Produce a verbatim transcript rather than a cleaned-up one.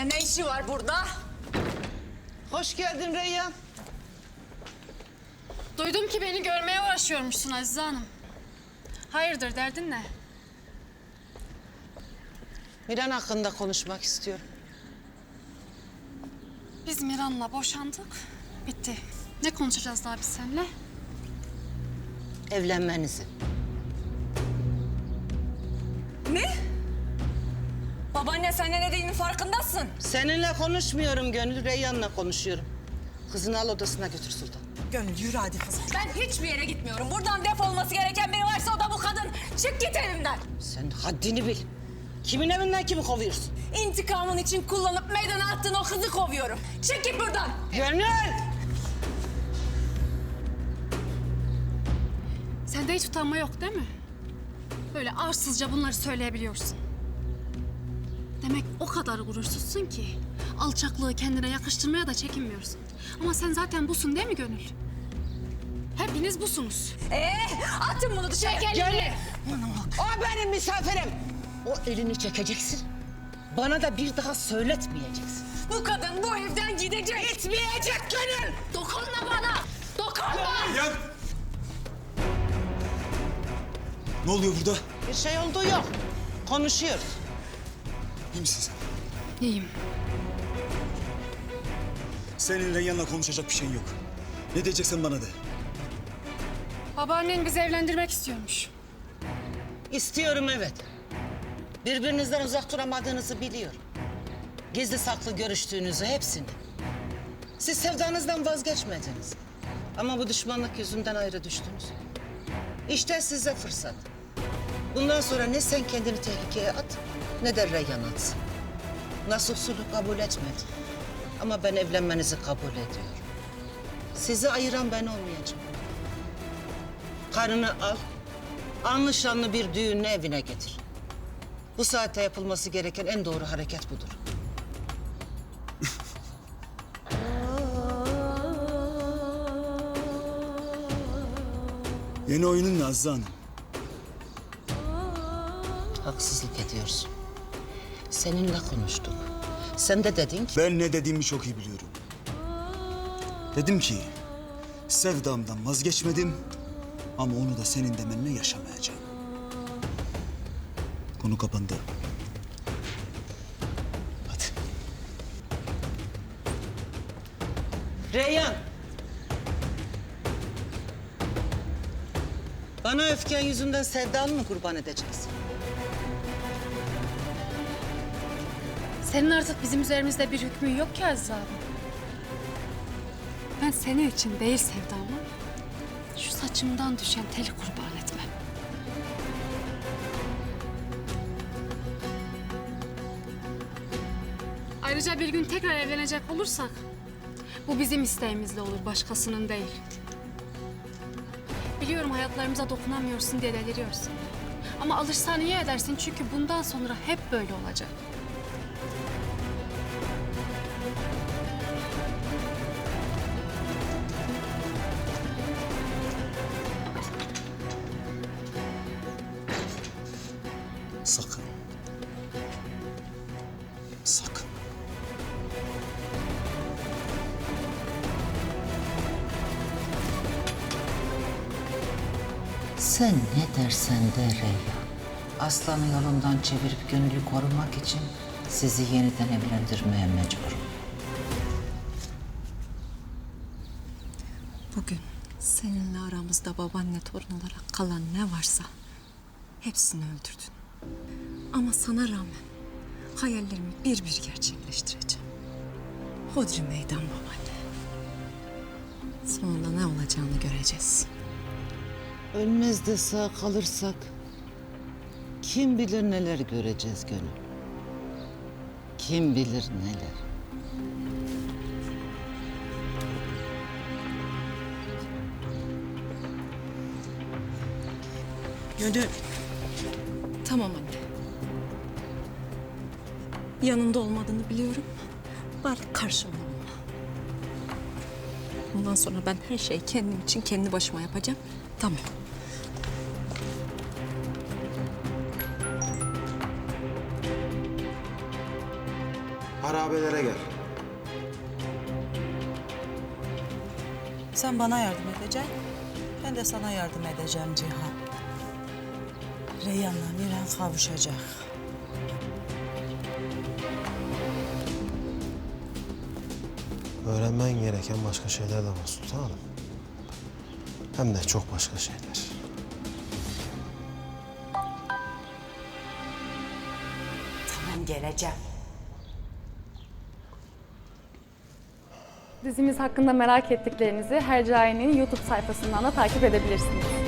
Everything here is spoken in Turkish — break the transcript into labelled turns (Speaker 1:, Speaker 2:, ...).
Speaker 1: Yine ne işi var burada?
Speaker 2: Hoş geldin Reyyan.
Speaker 3: Duydum ki beni görmeye uğraşıyormuşsun Azize Hanım. Hayırdır, derdin ne?
Speaker 2: Miran hakkında konuşmak istiyorum.
Speaker 3: Biz Miran'la boşandık, bitti. Ne konuşacağız daha biz seninle?
Speaker 2: Evlenmenizi.
Speaker 1: Ne? Babaanne sen ne dediğinin farkındasın.
Speaker 2: Seninle konuşmuyorum Gönül, Reyyan'la konuşuyorum. Kızını al odasına götür Sultan.
Speaker 4: Gönül yürü hadi kızım.
Speaker 1: Ben hiçbir yere gitmiyorum. Buradan defolması gereken biri varsa o da bu kadın. Çık git evimden.
Speaker 2: Sen haddini bil. Kimin evinden kimi kovuyorsun?
Speaker 1: İntikamın için kullanıp meydana attığın o kızı kovuyorum. Çık git buradan.
Speaker 2: Gönül!
Speaker 3: Sende hiç utanma yok değil mi? Böyle arsızca bunları söyleyebiliyorsun. Demek o kadar gurursuzsun ki alçaklığı kendine yakıştırmaya da çekinmiyorsun. Ama sen zaten busun değil mi Gönül? Hepiniz busunuz.
Speaker 1: Ee, atın bunu dışarı.
Speaker 2: Gönül! O benim misafirim. O elini çekeceksin. Bana da bir daha söyletmeyeceksin.
Speaker 1: Bu kadın bu evden gidecek.
Speaker 2: Gitmeyecek Gönül!
Speaker 1: Dokunma bana. Dokunma.
Speaker 5: Reyyan! Ne oluyor burada?
Speaker 2: Bir şey olduğu yok. Konuşuyoruz.
Speaker 5: İyi misin sen?
Speaker 3: İyiyim.
Speaker 5: Senin Reyyan'la konuşacak bir şeyin yok. Ne diyeceksen bana de.
Speaker 3: Babaannen bizi evlendirmek istiyormuş.
Speaker 2: İstiyorum evet. Birbirinizden uzak duramadığınızı biliyorum. Gizli saklı görüştüğünüzü hepsini. Siz sevdanızdan vazgeçmediniz. Ama bu düşmanlık yüzünden ayrı düştünüz. İşte size fırsat. Bundan sonra ne sen kendini tehlikeye at ne de Reyyan atsın. Nasuh sulhu kabul etmedi. Ama ben evlenmenizi kabul ediyorum. Sizi ayıran ben olmayacağım. Karını al, anlı şanlı bir düğünle evine getir. Bu saatte yapılması gereken en doğru hareket budur.
Speaker 5: Yeni oyunun ne Azize Hanım?
Speaker 2: Haksızlık ediyorsun. Seninle konuştuk. Sen de dedin ki...
Speaker 5: Ben ne dediğimi çok iyi biliyorum. Dedim ki, sevdamdan vazgeçmedim ama onu da senin demenle yaşamayacağım. Konu kapandı. Hadi.
Speaker 2: Reyyan! Bana öfken yüzünden sevdanı mı kurban edeceksin?
Speaker 3: Senin artık bizim üzerimizde bir hükmün yok ki Azize abi. Ben senin için değil sevdamı, şu saçımdan düşen teli kurban etmem. Ayrıca bir gün tekrar evlenecek olursak, bu bizim isteğimizle olur, başkasının değil. Biliyorum hayatlarımıza dokunamıyorsun diye deliriyorsun. Ama alışsan iyi edersin çünkü bundan sonra hep böyle olacak.
Speaker 5: Sakın. Sakın.
Speaker 2: Sen ne dersen de Reyyan. Aslanı yolundan çevirip Gönül'ü korumak için sizi yeniden evlendirmeye mecburum.
Speaker 4: Bugün seninle aramızda babaanne torun olarak kalan ne varsa hepsini öldürdün. Ama sana rağmen hayallerimi bir bir gerçekleştireceğim. Hodri meydan babaanne. Sonunda ne olacağını göreceğiz.
Speaker 2: Ölmez de sağ kalırsak kim bilir neler göreceğiz Gönül. Kim bilir neler.
Speaker 4: Gönül. Tamam anne. Yanında olmadığını biliyorum. Bari karşımda olma. Bundan sonra ben her şeyi kendim için kendi başıma yapacağım. Tamam.
Speaker 6: Harabelere gel.
Speaker 7: Sen bana yardım edeceksin. Ben de sana yardım edeceğim Cihan. Reyhan'la Miran kavuşacak.
Speaker 6: Öğrenmen gereken başka şeyler de var sultanım. Hem de çok başka şeyler.
Speaker 1: Tamam geleceğim.
Speaker 8: Dizimiz hakkında merak ettiklerinizi Hercai'nin YouTube sayfasından da takip edebilirsiniz.